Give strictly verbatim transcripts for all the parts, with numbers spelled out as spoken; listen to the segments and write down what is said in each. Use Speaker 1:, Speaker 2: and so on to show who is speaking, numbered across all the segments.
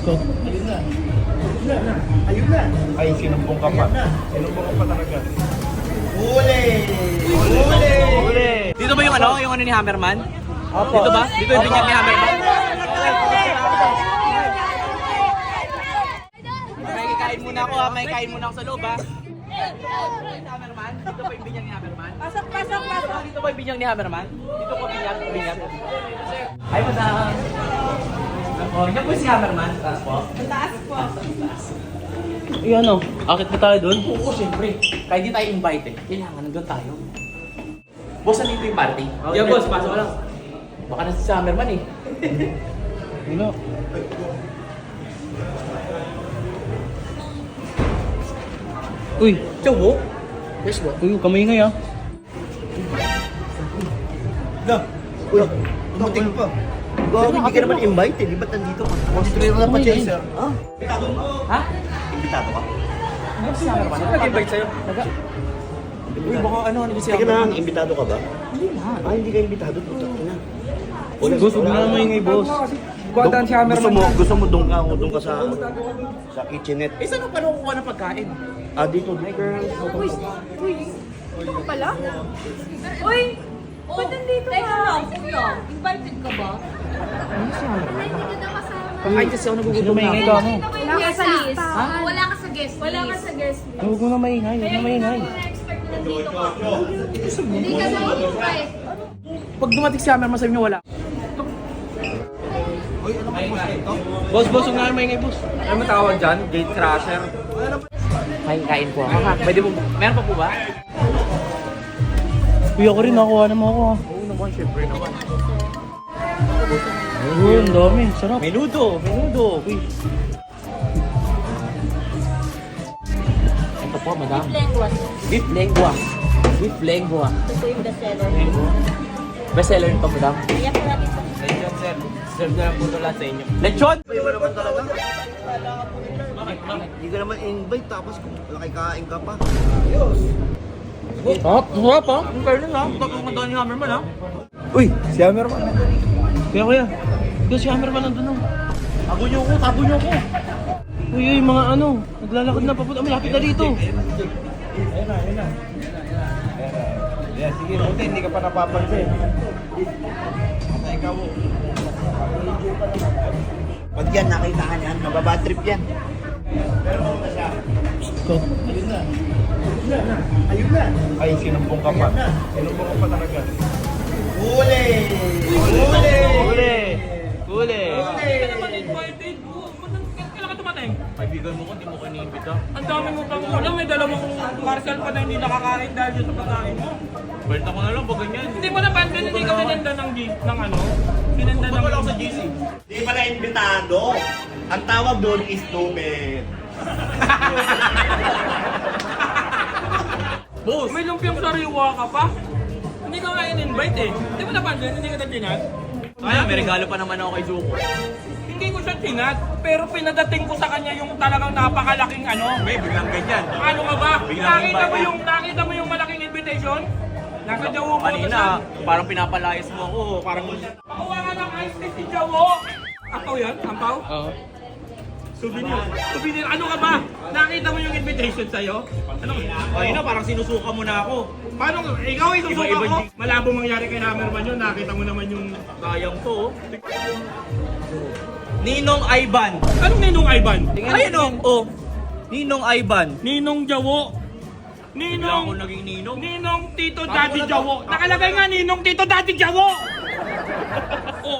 Speaker 1: Go.
Speaker 2: Ayun na. Ayun na. Ayun na.
Speaker 3: Ay, sinumbong ka pa. Sinumbong ka pa talaga.
Speaker 2: Huli! Huli!
Speaker 1: Huli.
Speaker 4: Dito ba yung ano? Yung ano ni Hammerman?
Speaker 1: Opo.
Speaker 4: Dito ba? Dito yung binyag ni Hammerman? May kain muna ako ha. May kain muna ako sa loob ha. Hammerman? Dito ba yung binyag ni Hammerman?
Speaker 5: Pasok, pasok, pasok.
Speaker 4: Dito ba yung binyag ni Hammerman? Dito po binyag, binyag. Ay, madam. Oh, yan po si Hammerman. Taas po.
Speaker 5: Taas po.
Speaker 1: Yung ano? Akit pa tayo doon?
Speaker 4: Oo, syempre. Kahit di tayo invite eh. Kailangan nandun tayo. Boss, nandito yung party? Yeah, boss. Pasok ka lang. Baka na si Hammerman eh.
Speaker 1: Ano? Uy!
Speaker 4: Chow mo?
Speaker 2: Yes, what?
Speaker 1: Uy, kamay ngay ah.
Speaker 2: Na. Uy, dumating pa. Bakit hindi ka naman invite eh? Di ba't nandito ka? Concentrate mo na pa, Chaser. Ha? Imbitado mo?
Speaker 4: Ha?
Speaker 2: Imbitado ka?
Speaker 4: Ano si Hammerman? Sino nag-invite sa'yo? Naga... Uy, baka ano, ano si
Speaker 2: Teka
Speaker 4: Hammerman?
Speaker 2: lang, imbitado ka ba?
Speaker 4: Hindi na.
Speaker 2: Ah, hindi ka imbitado. Putak na.
Speaker 1: Boss, huwag na maingay, boss.
Speaker 2: Gusto gusto mo, gusto mo doon ka o doon ka sa sa kitchenette.
Speaker 4: Eh, saan paano kukuha ng pagkain?
Speaker 2: Ah, dito, hi girls.
Speaker 5: Uy, uy. Ito ka pala? Uy, ba't nandito ka?
Speaker 6: Teka lang, kuya. Invited ka ba?
Speaker 4: Ano si Hammerman?
Speaker 6: Hindi ka na kasama.
Speaker 4: Ay, kasi ako
Speaker 1: Sino
Speaker 4: nagugutom na
Speaker 1: maingay
Speaker 4: ako.
Speaker 1: ka mo?
Speaker 5: Wala ka sa lista.
Speaker 6: Ha? Wala ka sa guest list.
Speaker 5: Wala ka sa guest list.
Speaker 1: Huwag mo na maingay, huwag na maingay.
Speaker 6: Na-expect na nandito ka. Hindi ka na invite.
Speaker 4: Pag dumating si Hammerman, sabi niyo wala.
Speaker 1: Boss, boss, huwag na maingay, boss.
Speaker 3: Ano matawag dyan? Gate crasher?
Speaker 4: May kain po ako ha. Pwede po, meron pa po ba?
Speaker 1: Uy, ako rin, nakuha naman ako ah.
Speaker 4: Oo naman, syempre naman.
Speaker 1: Uy, ang dami. Sarap.
Speaker 4: Menudo, menudo. Uy. Ito po, madam.
Speaker 6: Lengua.
Speaker 4: Beef lengua. Beef lengua.
Speaker 6: Ito yung bestseller.
Speaker 4: Bestseller nito, madam.
Speaker 6: Kaya ko natin sa
Speaker 4: Lechon, sir. Serve na lang po ito lahat sa inyo. Lechon?
Speaker 2: Iba naman talaga.
Speaker 4: Bakit? Bakit?
Speaker 2: Hindi ka naman invite tapos nakikain ka pa.
Speaker 4: Sarap, sarap ha. Ang kayo ha. Ito kung mandaan ni Hammerman ha.
Speaker 3: Uy, si Hammerman.
Speaker 1: Kaya kuya, ikaw si Hammerman nandun oh.
Speaker 4: Tago niyo ako, tago niyo ako.
Speaker 1: Uy, uy, mga ano, naglalakad na papunta. Malapit na dito.
Speaker 3: Ayun na, ayun na. Yeah, sige, buti hindi ka pa napapansin. Ikaw.
Speaker 2: Pag yan, nakita ka niyan, mababad trip yan.
Speaker 1: Go.
Speaker 2: Ayun na. Ayun na.
Speaker 3: Ay, sinumbong ka pa. Sinumbong ka pa talaga.
Speaker 2: Huli! Huli!
Speaker 1: Huli! Huli!
Speaker 5: Hindi ka naman invited. Kailan ka tumating?
Speaker 4: Kaibigan mo ko, hindi mo ko iniimbita.
Speaker 5: Ang dami mo pang ulam. May dalawang parcel pa na hindi nakakain dahil dyan sa pagkain mo.
Speaker 4: Bert ako na lang, pag ganyan.
Speaker 5: Hindi mo napansin, hindi ka pinenda ng, G- ng ano? Pinenda ng...
Speaker 4: Wala ako sa G C.
Speaker 2: Di pala imbitado. Ang tawag doon is stupid.
Speaker 4: Boss!
Speaker 5: May lumpiang sariwa ka pa. Hindi ka nga in-invite eh. Hindi mo napansin, hindi ka na tinat.
Speaker 4: Kaya, may regalo pa naman ako kay Zuko.
Speaker 5: Hindi ko siya tinat, pero pinadating ko sa kanya yung talagang napakalaking ano.
Speaker 4: May biglang ganyan.
Speaker 5: Ano ka ba?
Speaker 4: Biglang
Speaker 5: Nakita mo
Speaker 4: invite.
Speaker 5: yung nakita mo yung malaking invitation? Nasa Jawo mo
Speaker 4: Kanina, parang pinapalayas mo ako. Parang...
Speaker 5: Pakuha ka ng ice tea si Jawo. Ampaw yan? Ampaw?
Speaker 1: Oo.
Speaker 5: Souvenir. Souvenir. Ano ka ba? Nakita mo yung invitation sa'yo? Ano?
Speaker 4: Kanina, parang sinusuka mo na ako.
Speaker 5: Paano? Ikaw ay susuka
Speaker 4: Iba-iba
Speaker 5: ko.
Speaker 4: di-
Speaker 5: Malabo mangyari kay Hammerman yun. Nakita mo naman yung...
Speaker 4: Sayang to. oh. Ninong Ivan.
Speaker 5: Anong Ninong Ivan?
Speaker 4: Ayun o. Oh. Ninong Ivan.
Speaker 5: Ninong Jawo.
Speaker 4: Bigla ako
Speaker 5: Ninong...
Speaker 4: naging ninong.
Speaker 5: Ninong Tito
Speaker 4: Ako
Speaker 5: Daddy
Speaker 4: na to.
Speaker 5: Jawo. Nakalagay nga Ninong Tito Daddy Jawo. Oh.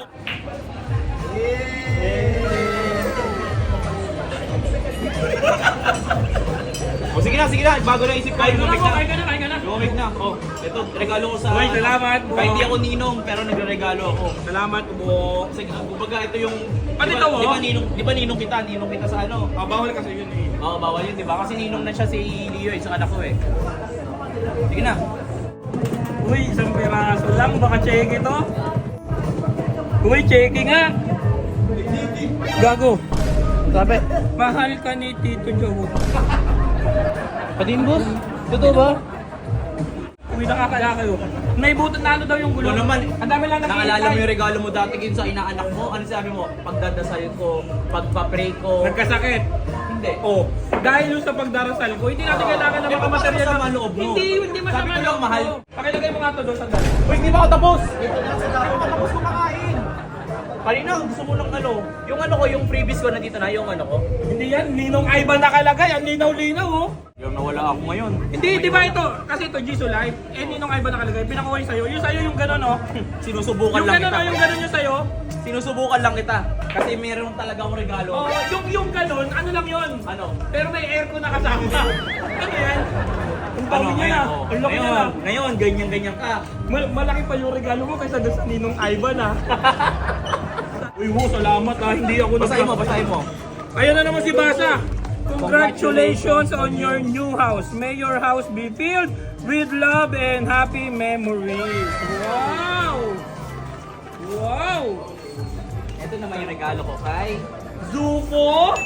Speaker 4: O sige na, sige na. Bago na isip ko.
Speaker 5: Kain ka na
Speaker 4: Lumik
Speaker 5: ko,
Speaker 4: na.
Speaker 5: kain ka na, kain ka na.
Speaker 4: Lumik na. Oh, ito, regalo ko sa...
Speaker 5: Uy, salamat.
Speaker 4: Kahit hindi ako ninong, pero nagre-regalo ako.
Speaker 5: Salamat po.
Speaker 4: Kasi kumbaga ito yung...
Speaker 5: Pati
Speaker 4: di ba-
Speaker 5: ito, oh.
Speaker 4: Di ba ninong, di ba ninong kita? Ninong kita sa ano?
Speaker 5: Ah, bawal kasi yun eh.
Speaker 4: Oo, bawal yun, di ba? Kasi ninong na siya si Leo, isang anak ko eh. Sige na.
Speaker 5: Uy, isang piraso lang. Baka cheque to. Uy, cheque nga. Gago.
Speaker 1: Sabi.
Speaker 5: Mahal ka ni Tito Jawo.
Speaker 1: Patin, boss? Totoo ba?
Speaker 5: Uy, nakakaya kayo. naibutan na ano daw yung gulong.
Speaker 4: Ito naman,
Speaker 5: Ang dami lang
Speaker 4: naalala mo yung
Speaker 5: naghihintay.
Speaker 4: regalo mo dati kin sa inaanak mo? Ano sabi mo? Pagdadasal ko, pagpa-pray ko.
Speaker 5: Nagkasakit.
Speaker 4: Hindi.
Speaker 5: Oh, dahil yung sa pagdarasal ko, hindi natin kailangan ng
Speaker 4: Eh,
Speaker 5: mga
Speaker 4: paano
Speaker 5: material
Speaker 4: masama
Speaker 5: na-
Speaker 4: loob mo?
Speaker 5: Hindi, hindi masama
Speaker 4: Sabi ko lang,
Speaker 5: loob
Speaker 4: mahal.
Speaker 5: mo. Pakilagay mo nga to doon sa dali.
Speaker 4: Uy, hindi pa ako tapos! Tapos kumakain! Kanina, gusto mo ng ano? Yung ano ko, yung freebies ko nandito na, yung ano ko.
Speaker 5: Hindi yan, Ninong Ivan nakalagay, ang linaw-linaw oh.
Speaker 4: Yung nawala ako ngayon.
Speaker 5: Hindi, di ba ito? Kasi ito, Jisoo Life, eh Ninong Ivan nakalagay, pinakuha yung sa'yo. Yung sa'yo yung gano'n oh.
Speaker 4: Sinusubukan
Speaker 5: Yung
Speaker 4: lang
Speaker 5: gano'n
Speaker 4: kita.
Speaker 5: oh, yung gano'n yung sa'yo.
Speaker 4: Sinusubukan lang kita. Kasi meron talaga akong regalo.
Speaker 5: Oh, yung yung gano'n, ano lang yun?
Speaker 4: Ano?
Speaker 5: Pero may aircon na kasama. Ano yan? Ang dami niya na.
Speaker 4: oh.
Speaker 5: Ang laki niya na.
Speaker 4: ngayon, ngayon, ganyan-ganyan ka.
Speaker 5: Mal- malaki pa yung regalo mo kaysa doon sa Ninong Ivan ah. Uy, wo, salamat ah. Hindi ako
Speaker 4: Basahin mo,
Speaker 5: nagka-
Speaker 4: basahin mo.
Speaker 5: Ayan na naman si Basa. Congratulations on your new house. May your house be filled with love and happy memories. Wow! Wow!
Speaker 4: Ito naman yung regalo ko kay...
Speaker 5: Zuko?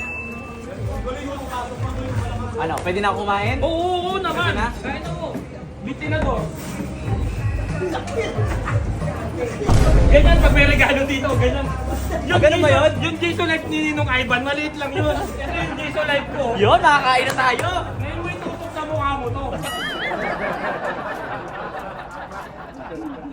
Speaker 4: Ano, pwede na ako kumain?
Speaker 5: Oo, oo, oo naman.
Speaker 4: Pwede na?
Speaker 5: Kain ako. Bitinador. Ganyan pag may regalo dito, ganyan.
Speaker 4: Ah, ganun ba yun?
Speaker 5: Yung Jisoo Life ni Ninong Ivan, maliit lang yun. Ito yung Jisoo Life ko.
Speaker 4: Yun, nakakain na tayo!
Speaker 5: Ngayon mo itutok sa mukha mo to.